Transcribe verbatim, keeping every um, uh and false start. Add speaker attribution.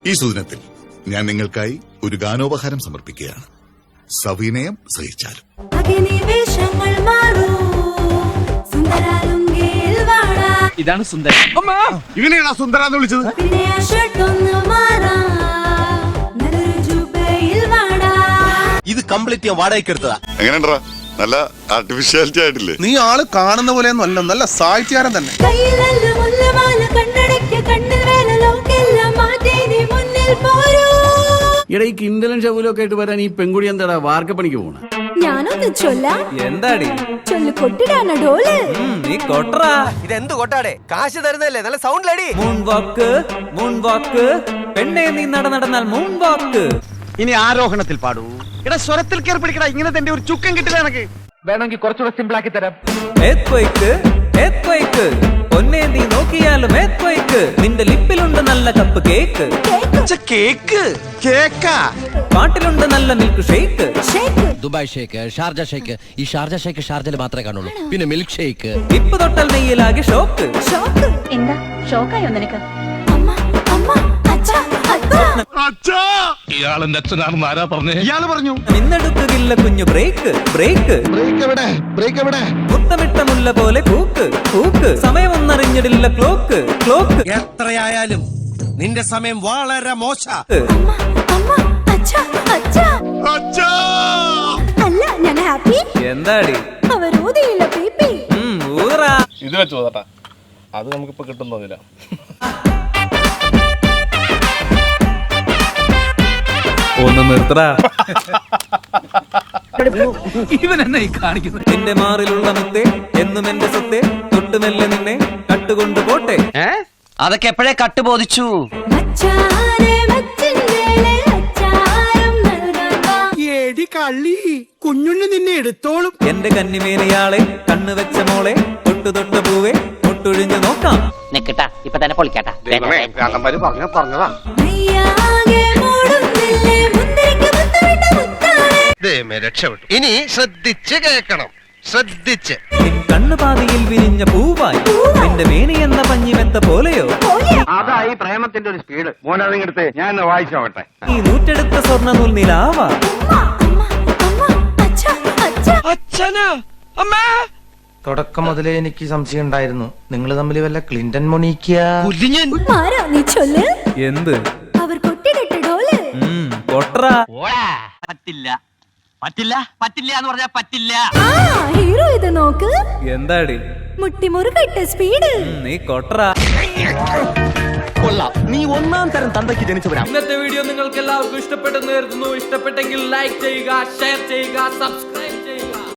Speaker 1: ഈ സുദിനത്തിൽ ഞാൻ നിങ്ങൾക്കായി ഒരു ഗാനോപഹാരം സമർപ്പിക്കുകയാണ്. സവിനയം സഹിച്ചാലും.
Speaker 2: ഇതാണ് സുന്ദര.
Speaker 3: ഇവനെയാണോ സുന്ദര എന്ന് വിളിച്ചത്?
Speaker 4: ഇത് കംപ്ലീറ്റ് ഞാൻ വാടകയ്ക്ക് എടുത്തതാ.
Speaker 1: എങ്ങനെയുണ്ടാ? നല്ല ആർട്ടിഫിഷ്യാലിറ്റി ആയിട്ടില്ലേ?
Speaker 3: നീ ആള് കാണുന്ന പോലെയൊന്നും അല്ല, നല്ല സാഹിത്യകാരൻ തന്നെ.
Speaker 2: ഇവിടെ ഈ കിണ്ടലും ശകുലൊക്കെ ആയിട്ട് വരാൻ ഈ പെൺകുടി എന്താടാ വാർക്കപ്പണിക്ക് പോണ?
Speaker 5: ഞാനൊന്ന് ചൊല്ലാം.
Speaker 6: എന്താടി
Speaker 5: ചൊല്ലു കൊട്ടിടാണ് ഡോല്.
Speaker 6: നീ കൊട്ടറാ.
Speaker 4: ഇതെന്ത് കൊട്ടാടെ? കാശ് തരുന്നല്ലേ? നല്ല സൗണ്ട് ലടി.
Speaker 6: മൂൺ വാക്ക് മൂൺ വാക്ക് പെണ്ണെ നീ നട നടന്നാൽ മൂൺ വാക്ക്.
Speaker 2: ഇനി ആരോഹണത്തിൽ പാടൂ. ഇവിടെ സ്വരത്തിൽ കയറി പിടിക്കടാ. ഇങ്ങനെ തന്നെ ഒരു ചുക്കം കിട്ടില്ല എനിക്ക്. വേണമെങ്കിൽ കുറച്ചുകൂടെ സിമ്പിൾ ആക്കി തരാം.
Speaker 6: ഏത്വയ്ക്ക് ഏത്വയ്ക്ക് പൊന്നെ നീ നോക്കിയാലും ഏത്വയ്ക്ക്. നിന്റെ ലിപ്പിലുണ്ട് നല്ല കപ്പ് കേക്ക്.
Speaker 3: കേക്ക് കേക്കാ.
Speaker 6: പാട്ടിലുണ്ട് നല്ല മിൽക്ക് ഷേക്ക്.
Speaker 7: ദുബായ് ഷേക്ക്, ഷാർജ ഷേക്ക്. ഈ ഷാർജ ഷേക്ക് ഷാർജയിൽ മാത്രമേ കാണുള്ളൂ. പിന്നെ മിൽക്ക് ഷേക്ക്.
Speaker 6: ഇപ്പ് തൊട്ടൽ നെയ്യിലാകെ ഷോക്ക്.
Speaker 5: എന്താ ഷോക്കായോ നിനക്ക്? അമ്മ അമ്മ അച്ഛാ അച്ഛാ.
Speaker 3: ഇയാളെന്റെ അച്ഛനാണെന്ന് ആരാ പറഞ്ഞേ? ഇയാള് പറഞ്ഞു.
Speaker 6: നിന്നെടുക്കുകില്ല കുഞ്ഞു ബ്രേക്ക് ബ്രേക്ക്.
Speaker 3: ബ്രേക്ക് എവിടെ? ബ്രേക്ക് എവിടെ?
Speaker 6: മുത്തമിട്ട മുല്ല പോലെ കൂക്ക് കൂക്ക്. സമയമൊന്നറിഞ്ഞിടില്ല ക്ലോക്ക് ക്ലോക്ക്.
Speaker 4: എത്രയായാലും നിന്റെ സമയം വളരെ മോശ.
Speaker 5: അമ്മ അമ്മ അച്ഛാ അച്ഛാ.
Speaker 3: അച്ഛാ.
Speaker 5: അല്ല ഞാൻ ഹാപ്പി.
Speaker 6: എന്താടി
Speaker 5: അവർ ഊതിയില്ല പീപ്പി.
Speaker 6: ഊറാ.
Speaker 3: ഇത് വെച്ചു പോതാ. അത് നമുക്കിപ്പോ കിട്ടുന്നില്ല.
Speaker 6: ഒന്ന് നിർത്തടാ.
Speaker 2: ഇവൻ എന്നെ ഈ കാണിക്കുന്നത്.
Speaker 6: നിന്റെ മാറിലുള്ള മുത്തേ എന്നും എന്റെ സ്വത്തെ. തൊട്ടുമെല്ലെ നിന്നെ കട്ടുകൊണ്ട് പോട്ടെ.
Speaker 7: അതൊക്കെ എപ്പോഴേ കട്ട് ബോധിച്ചു.
Speaker 5: മച്ചാനെ മച്ചിന്റെ അച്ചാരം നൽകാൻ വാ.
Speaker 3: എടി കള്ളി, കുഞ്ഞുണ്ണി നിന്നെ എടുത്തോളും.
Speaker 6: എന്റെ കന്നിമേനയാളെ കണ്ണു വെച്ച മോളെ തൊട്ടു തൊട്ട പൂവെ ഒട്ടൊഴിഞ്ഞു നോക്കാം.
Speaker 7: നിക്കട്ടാ ഇപ്പൊ തന്നെ പൊളിക്കട്ടാ.
Speaker 3: പറഞ്ഞതാ.
Speaker 5: നെയ്യാകെ മൂടുന്നില്ലേ മുന്തിരിക്ക് മുത്തമിട്ട മുത്താണ്.
Speaker 4: രക്ഷപ്പെട്ടു. ഇനി ശ്രദ്ധിച്ച് കേൾക്കണം, ശ്രദ്ധിച്ച്.
Speaker 6: നിൻ കണ്ണു പാതിയിൽ വിരിഞ്ഞ പൂവായി. നിന്റെ മേനി എന്ന പഞ്ഞിമെത്ത പോലെയോ.
Speaker 3: അതായി പ്രേമത്തിന്റെ ഒരു സ്പീഡ്. മോനതിങ്ങടുത്ത് ഞാൻ വായിച്ചോട്ടെ.
Speaker 6: ഈ നൂറ്റെടുത്ത സ്വർണ്ണ നൂൽ നിലാവാ.
Speaker 5: അമ്മ അമ്മ അച്ഛാ അച്ഛാ.
Speaker 8: തുടക്കം മുതലേ എനിക്ക് സംശയം ഉണ്ടായിരുന്നു, നിങ്ങൾ തമ്മിൽ വല്ല ക്ലിന്റൺ മൊണീക്കിയ.
Speaker 5: മാറാ നീ ചൊല്ല്.
Speaker 6: എന്ത്?
Speaker 5: അവർ കൊട്ടിടട്ടെ ഡോല്.
Speaker 6: കൊട്ടറാ.
Speaker 7: പറ്റില്ല പറ്റില്ല പറ്റില്ല എന്ന് പറഞ്ഞാ പറ്റില്ല.
Speaker 5: ആ ഹീറോ ഇത് നോക്ക്.
Speaker 6: എന്താടി
Speaker 5: മുട്ടിമുറുകട്ടെ സ്പീഡ്.
Speaker 6: നീ കൊട്ടറാ.
Speaker 4: നീ ഒന്നാം തരം തന്തയ്ക്ക് ജനിച്ചവരാ.
Speaker 6: ഇന്നത്തെ വീഡിയോ നിങ്ങൾക്ക് എല്ലാവർക്കും ഇഷ്ടപ്പെട്ടെന്ന് കരുതുന്നു. ഇഷ്ടപ്പെട്ടെങ്കിൽ ലൈക്ക് ചെയ്യുക, ഷെയർ ചെയ്യുക, സബ്സ്ക്രൈബ്